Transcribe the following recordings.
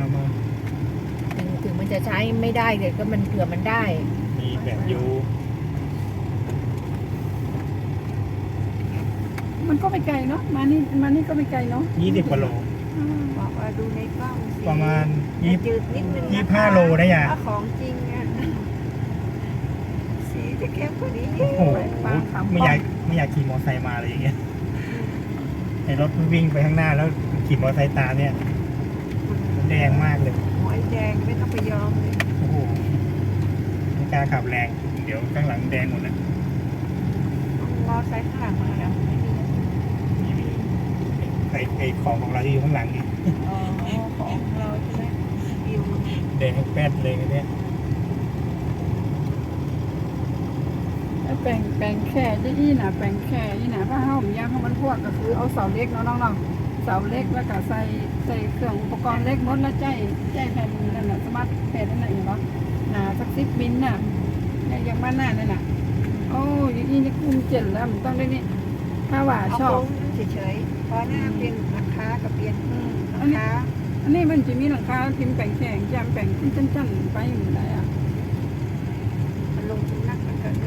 มาถึงมันจะใช้ไม่ได้แต่ก็มันเผื่อมันได้มีแบบยูมันก็ไม่ไกลเนาะมานี่ก็ไม่ไกลเนาะ 20 กว่าโลบอกว่าดูในกล้องสิประมาณจืดนิดนึง 25 โลได้ยังถ้าของจริงอ่ะสีจะเข้มกว่านี้โอ้โหไม่อยากขี่มอเตอร์ไซค์มาเลยอย่างเงี้ยไอ้รถวิ่งไปข้างหน้าแล้วขี่มอเตอร์ไซค์ตามเนี่ยแดงมากเลยหอยแดงไม่ต้องไปยอมเลยโอ้โหไม่กล้าขับแรง เดี๋ยวข้างหลังแดงหมดนะมอไซค์ข้างหลังมาแล้วไม่มีไอ้ของเราที่อยู่ข้างหลังนี่อ๋อของเราใช่ไหมวิวแดงแป๊ดเลยเนี่ยแปลงแค่ยี่น่ะแปลงแค่ยี่น่ะถ้าเฮาผมย่างเขามันพวกก็คือเอาเสาเล็กเนาะน้องๆเสาเล็กแล้วก็ใส่เครื่องอุปกรณ์เล็กหมดแล้วใจแผ่นนั่นน่ะสมาร์ทแผ่นนั่นน่ะอย่างเนาะหนาสัก10 มิลน่ะเนี่ยอย่างบ้านหน้านั่นน่ะโอ้ยนี่คุ้มเจ๋งแล้วมันต้องได้นี่ถ้าว่าชอบเฉยๆเพราะหน้าเปลี่ยนราคากับเปลี่ยนราคาอันนี้มันจะมีหลังคาพิมพ์แปลงแข็งจำแปลงจันๆไปอยู่ไหนอ่ะมันลงทุนนักมันเกินเลย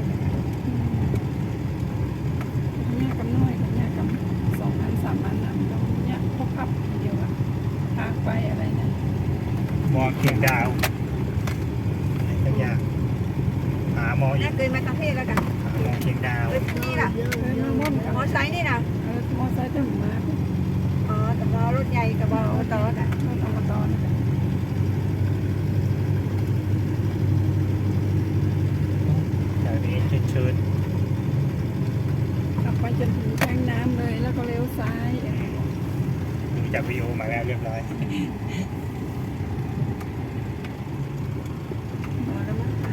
เนี่ยกำน้อยกับเนี่ยกำ2 อัน 3 อันนะมันต้องเนี่ยพกพับเดียวอะทางไปอะไรนะมองเคียงดาวอะไรสักอย่างหามองอีน่าก เกินมาทั้งเพศแล้วกันหามองเคียงดาวนี่ล่ะ มอไซค์นี่นะมอไซค์จะมาอ๋อแต่มอรถใหญ่กับมอต่อน่ะรถอบตนะแถวนี้เชิญขับไปจนถึงแทงน้ำเลยแล้วก็เลี้ยวซ้ายๆดูจากวิดีโอมาแล้วเรียบร้อยมอแล้วมันไป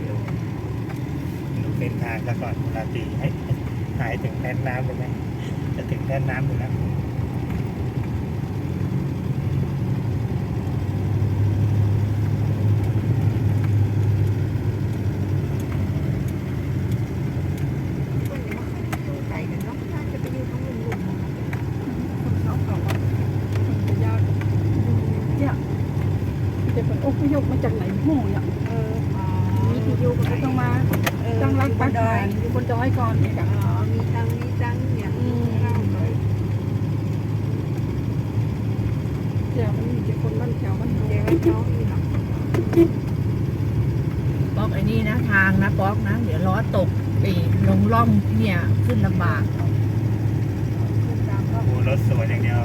ดูเส้นทางซะก่อนเวลาตีให้หายถึงแทนน้ำเลยไหมจะถึงแทนน้ำอยู่แล้วคนจะมาอยู่ไกลกันเนาะถ้าจะไปอยู่ตรงลุ่มๆคนเขาเขาว่าคนจะยากเนี่ยจะเป็นอพยพมาจากไหนโม่เนี่ยมีที่อยู่ก็ต้องมาตั้งรักปักฐานอยู่บนดอยก่อนเนี่ยค่ะมีตังอย่างเล่าเลยเดี๋ยวมันมีแต่คนบ้านแถวบ้านเดี๋ยวเฮาเขามีหรอกป๊อกไอ้นี่นะทางนะป๊อกนะเดี๋ยวล้อตกไปลงร่องเนี่ยขึ้นลำบากขึ้นตามรอบโอ้รถสวนอย่างเดียว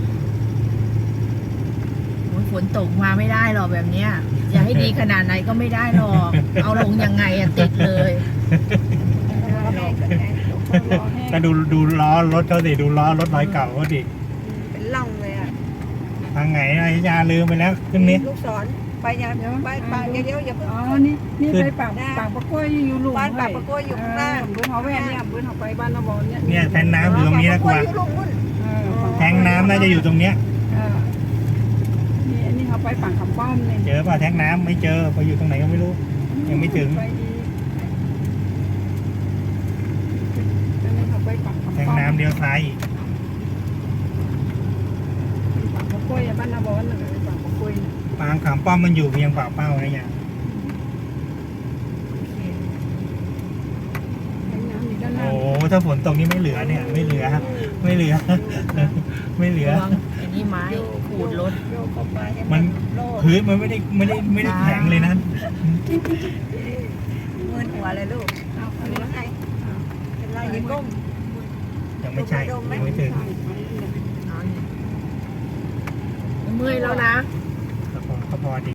โอ้ยฝนตกมาไม่ได้หรอกแบบเนี้ยอย่าให้ดีขนาดไหนก็ไม่ได้หรอกเอาลงยังไงอะติดเลยแม่ก็แม่รอแห้งก็ดูล้อรถเขาสิดูล้อรถร้อยเก่าเขาดิเป็นล่องเลยอ่ะทางไหนอายาลืมไปแล้วขึ้นนี้ลูกศรไปยังไปเดี๋ยวอย่าเพิ่งอ๋อนี่ไปปากปะกล้วยอยู่หลุมบ้านปากปะกล้วยอยู่ข้างหน้าเบื้องเขาแว่นเนี่ยเบื้องเขาไปบ้านนาบอนเนี่ยเนี่ยแทนน้ำอยู่ตรงนี้นะกว่าอยู่ลงมุ่นแทงน้ำน่าจะอยู่ตรงเนี้ยนี่อันนี้เขาไปปากคำป้อมเนี่ยเจอป่ะแทงน้ำไม่เจอไปอยู่ตรงไหนก็ไม่รู้ ยังไม่ถึงไปอีกอันนี้เขาไปปากคำแทป้งอมน้ำเลี้ยวซ้ายอีกปากปะกล้วยบ้านนาบอนเลยปากปะกล้วยปางขามป้อมมันอยู่เพียงปากเป้านะเนี่ยแทงน้ำอยู่ด้านหน้าโอ้ถ้าฝนตกนี่ไม่เหลือเนี่ยไม่เหลือไม่เหลือ ไม่เหลือระวังไอ้นี่ไม้ขูดรถโยกเข้าไปมันโลดพื้นมันไม่ได้แข็งเลยนะมือหัวเลยลูกเอาอันเป็นนี้ไรเป็นไรอย่าก้มยังไม่ใช่ยังไม่ถึงเมื่อยแล้วนะก็พอดี